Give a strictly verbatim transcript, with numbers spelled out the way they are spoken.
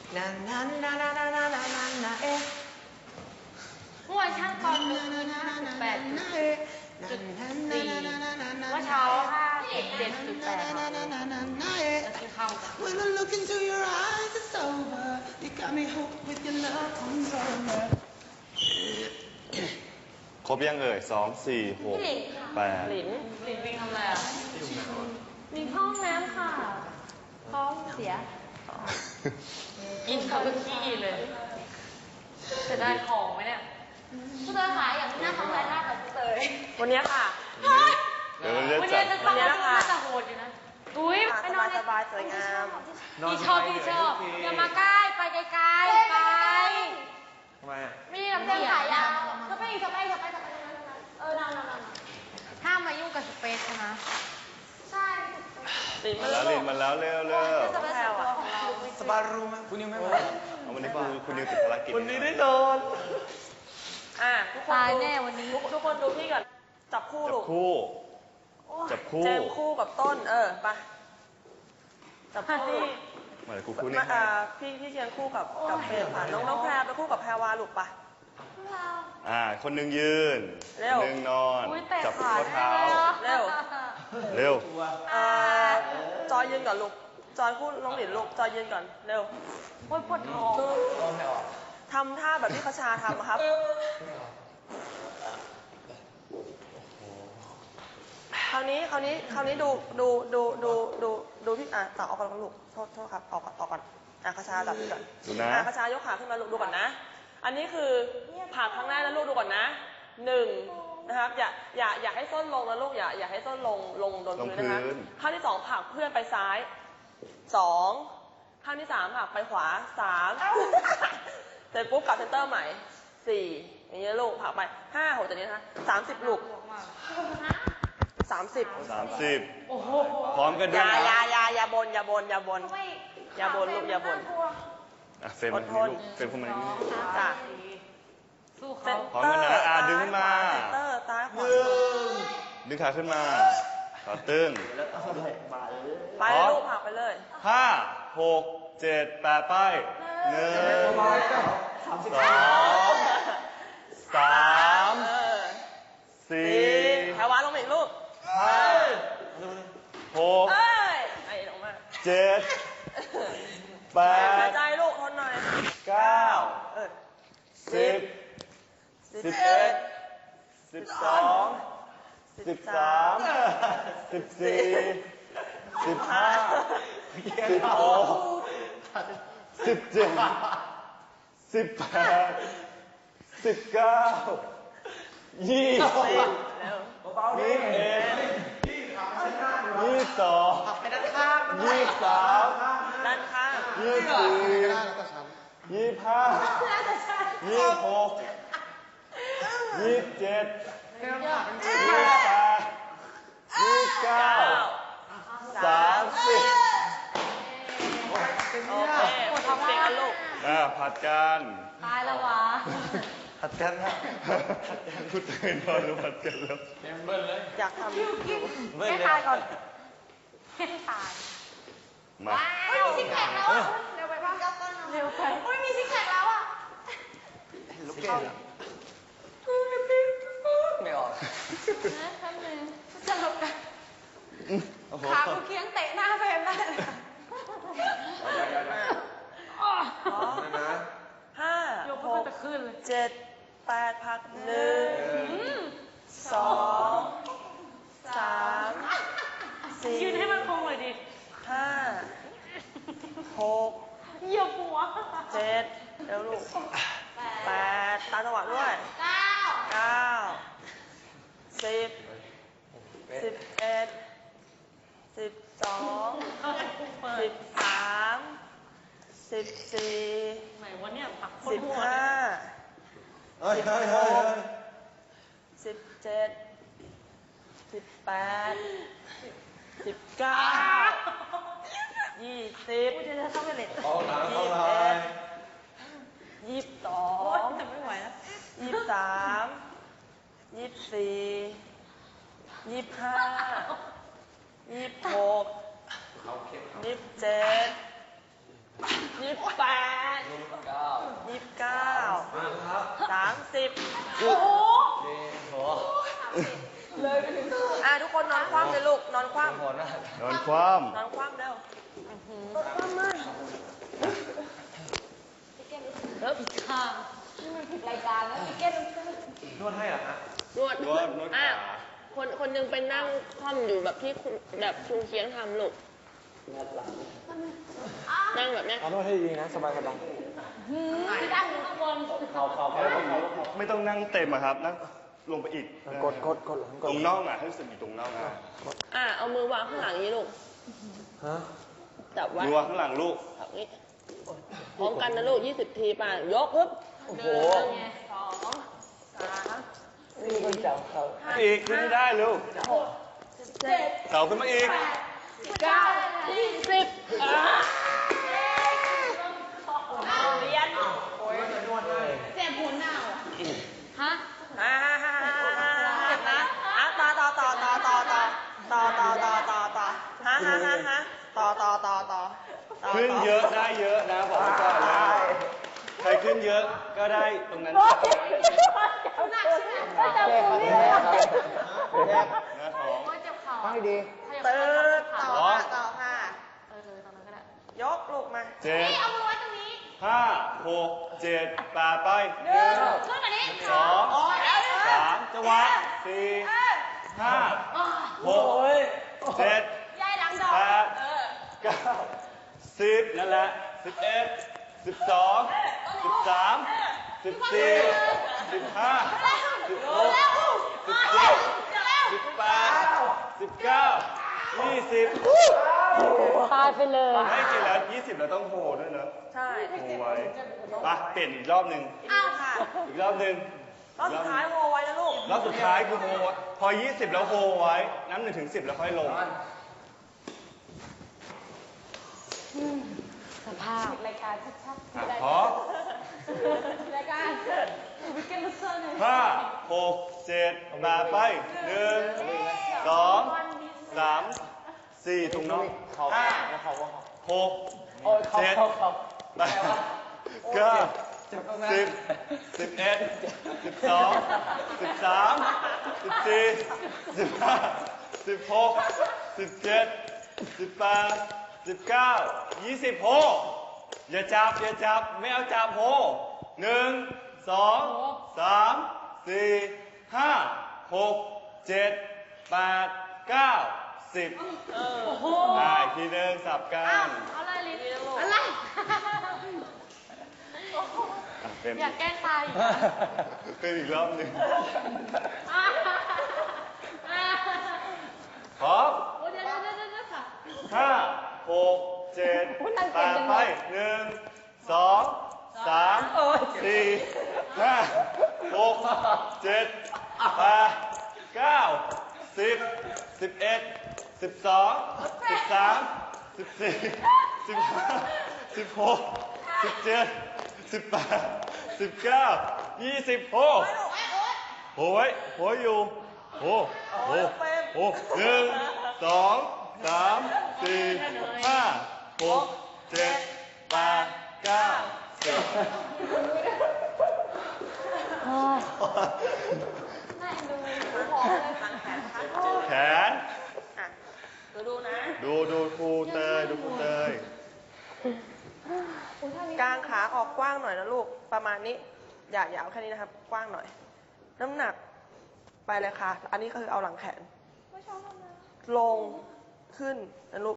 นานานานานานานานานาเอ๊ะเมื่อวานช่างตอนหนึ่งแปดจุดสี่เมื่อเช้าห้าสิบเจ็ดจุดแปดจะกินข้าวกัน When I look into your eyes it's over You got me hooked with your love controller ครบยังเอ่ยสองสี่หกแปดหลินหลินวิ่งทำอะไรอ่ะวิ่งห้องน้ำค่ะท้องเสียกินเขาเป็นขี้เลยจะได้ของไหมเนี่ยผู้เตยขายอย่างหน้าท้องไรหน้ากับผู้เตยวันนี้ค่ะเดี๋ยวเราวันจะนี้จัจะดต้องน่าจะโหดอยู่นะอุ้ยไปนอนสบายๆสวยงามพี่ชอบพี่ชอบอย่ามาใกล้ไปไกลๆไปทำไมอ่ะไม่ได้ลำเส้นขายาวจะไปจะไปจะไปจะไปเออนอนนอนนอนห้ามมายุ่งกับสเปซนะใช่มาแล้วลินมาแล้วเร็วเร็วจะไปแถวของเราสบายรู้ไหมคุณนิวไม่มาเอาวันนี้คุณคุณนิวติดภารกิจวันนี้ได้นอนอ่ะทุกคนตายดูแน่วันนี้ทุกทุกคนดูพี่ก่อนจับคู่จัลูบกคู่จับคู่แจมคู่กับต้นเออไปจับคู่มาเลยคู่คู่นี่มาอ่าพี่พี่เชียงคู่กับกับเฟรมค่ะน้องน้องแพรไปคู่กับแพรวาลูกไปอ่าคนหนึ่งยืนเร็ควนหนึ่งนอนอุ้ยเตะจับขาข้อเท้าเร็วเร็วอ่าจอยยืนก่อนลูกจอยคู่น้องหลินลูกจอยยืนก่อนเร็วโอ้ยปวดท้องทำท่าแบบที่คชาทำอะครับคราวนี้คราวนี้คราวนี้ดูดูดูดูดูดูพี่อ่ะต่อออกก่อนลูกโทษโทษครับออกก่อนออกก่อนอ่ะคชาจับพี่ก่อนดูนะอ่ะคชายกขาขึ้นมาลูกดูก่อนนะ อันนี้คือผ่าครั้งแรกนะลูกดูก่อนนะหนึ่งนะครับอย่าอย่าอย่าให้ส้นลงนะลูกอย่าอย่าให้ส้นลงลงโดนพื้นนะคะข้างที่สองผลักเพื่อนไปซ้ายสองข้างที่สามผลักไปขวาสามเสร็จปุ๊บกลับเซนเตอร์ใหม่สี่อย่างเงี้ยลูกผลักไปห้าหกจากนี้นะคะสามสิบลูกสามสิบสามสิบพร้อมกันอด้วยย่านะอย่าอย่าอย่าบนอย่าบนอย่าบนอย่าบนลูกอย่าบนอ่ะเฟรมมาที่ลูกเฟรมเข้ามาที่นี่จ้ะสู้เซ็เขานพร้อมเตอกันร์นะอ่ะดึงขึ้นมาเซ็นเตอร์ซ้ายขวาดึงขาขึ้นมาขาตึงไปเลยลูกผลักไปเลยห้าหกเจ็ดแปดไปหนึ่งสองสามเออสี่แถววานลงมาอีกลูกห้าหกเอ้ยไอ้ลงมาเจ็ดแปหาดยใจลูกทนหน่อยเก้าเออสิบสิบเอ็ดสิบสองสิบสามสิบสี่สิบห้าสิบหกสิบเจ็ดสิบแปดสิบเก้ายี่สิบเร็วยี่สิบเอ็ดยี่สิบสองยี่สิบสามด้านข้างยี่สิบสี่ยี่สิบห้ายี่สิบหกยี่สิบเจ็ดยี่สิบแปดยี่สิบเก้าสามสิบโอเคทำเสียงกันลูกอ่าผัดกันตายแล้ววะผัดกันนะพูดตื่นนอนรู้ผัดกันแล้วอยากทำอยู่เว้ยให้เลยตายก่อนให้ตายมาเฮ้ยมีซิกแพคแล้วอ่ะเร็วไปป่ะเร็วไปเฮ้ยมีซิกแพคแล้วอ่ะลูกเกดไม่ออกนะแป๊บนึงจะหลบกันโอ้โหขากูเคียงเตะหน้าเฟรมได้เลยอ๋อนะห้ายกหเพื่อนกจะขึ้นเลยเจ็ดแปดพักหนึ่งอืมสองสามสี่ยืนให้มันคงเลยดิห้าหกเหยียบหัวเจ็ดเร็วลูกแปดตามจังหวะด้วยเก้าเก้าสิบสิบเอ็ดสิบสองสิบสามสิบสี่ไหนวะเนี่ยปักโคตสิรบโหดห้าเฮ้ยเฮ้ยเฮ้ยสิบเจ็ดสิบแปดสิบเก้ายี่สิบกูจะเข้าไปเล็ดเอาหนังยี่เข้าสิบเลเอ็ยดยี่สิบสอโอ๊ยงจะไม่ไหวแล้วยี่สิบสามยี่สิบสี่ยี่สิบห้ายี่สิบหกยี่สิบเจ็ดยี่สิบแปดยี่สิบเก้าสามสิบโอ้โหเลยไปถึงอ่ะทุกคนนอนคว่ำเลยลูก นอนคว่ำนอนคว่นอนคว่ำเร็วแล้วอีกข้างนี่มันผิดรายการแล้วพี่เก้นนวดำนวดนวดอ่ะขาคนคนหนึงไปนั่งคว่ำอยู่แบบที่คุณแบบคุณเคียงทำลูก นั่งแบบเนี้ยเอานวดให้ดีนะ สบายสบายพี่ตั้งอยู่ข้างบนเขาเขาเขาไม่ต้องนั่งเต็มอะครับ นั่งลงไปอีกกดกดกดหลังกตดรงน่องอะให้รู้สึกอยู่ตรงน่องอะอ่ะ เอามือวางข้างหลังอย่างนี้ลูกฮะจับไว้ดูว่าข้างหลังลูกแบบนี้พร้อมกันนะลูกยี่สิบทีป่ะ ยกปึ๊บโอ้โหหนึ่งสองสามนี่คนจับเขาอีกขึ้นไม่ได้ลูกหกเจ็ดเสาขึ้นมาอีกเก้ายี่สิบอ่ะเรียนเจ็บหัวหน้าฮะอ่าเจ็บนะอ่ะต่อต่อต่อต่อต่อต่อต่อต่อต่อต่อต่อฮะฮะฮะฮะต่อต่อต่อต่อต่อขึ้นเยอะได้เยอะนะบอกไว้ก่อนเลย ใครขึ้นเยอะก็ได้ตรงนั้นหนักใช่ไหมก็จะปูนี่เลยนะท้องโอ้ยเจ็บเข่าฟังให้ดีตืดต่อค่ะต่อค่ะเออตอนนั้นก็ได้ยกลูกมาเจ็ดนี่เอามือไว้ตรงนี้ห้าหกเจ็ดแปดไปหหนึ่นึ่งงขึ้นมานี้สองโอ้ยสามจังหวะสี่ห้าหกเจ็ดยายดังดอกแปดเก้าสิบนั่นแหละสิบเอ็ดสิบสองสิบสามสิบสี่สิบห้าสิบหกสิบเจ็ดสิบแปดสิบเก้ายี่สิบตายไปเลยให้จริงแล้วยี่สิบเราต้องโฮด้วยนะใช่โฮไว้ไปเปลี่ยนอีกรอบหนึ่งอ้าวค่ะอีกรอบหนึ่งรอบสุดท้ายโฮไว้นะลูกรอบสุดท้ายคือโฮพอยี่สิบแล้วโฮไว้น้ำหนึ่งถึงสิบแล้วค่อยลงสภาพรายการชัดอ่ะพร้อมๆรายการวิกเกนลูเซอร์เนี่ยห้าหกเจ็ดแปดไปหนึ่งสองสามสี่ถุงน้องห้าเขาเขาเขาหกโอ้ยเขาเจ็ดเขาเขาแปดเก้าสิบสิบเอ็ดสิบสองสิบสามสิบสี่สิบห้าสิบหกสิบเจ็ดสิบแปดสิบเก้ายี่สิบโฮอย่าจับอย่าจับไม่เอาจับโฮหนึ่งสองสามสี่ห้าหกเจ็ดแปดเก้าสิบโอ้โหได้ทีหนึ่งสับกันอะไรลิ้นอะไรอ่ะเป็นอยากแกล้งตายอีกเป็นอีกรอบหนึ่งอ่ะอ่ะพร้อมโอ้เดี๋ยวเดี๋ยวเดี๋ยวเดี๋ยวค่ะห้าหกเจ็ดแปดไปหนึ่งสองสามสี่ห้าหกเจ็ดแปดเก้าสิบสิบเอ็ดสิบสองสิบสามสิบสี่สิบห้าสิบหกสิบเจ็ดสิบแปดสิบเก้ายี่สิบโหโหไว้โหอยู่โหโหโหหนึ่งสองสามสี่ห้าหกเจ็ดแปดเก้าสิบน่าเอ็นดูหอมเลยหลังแขนนะคะแขนอ่ะดูดูนะดูดูครูเตยดูครูเตยกางขาออกกว้างหน่อยนะลูก ประมาณนี้ อย่าอย่าเอาแค่นี้นะครับ กว้างหน่อย น้ำหนักไปเลยค่ะ อันนี้ก็คือเอาหลังแขน ลงขึ้นนะลูก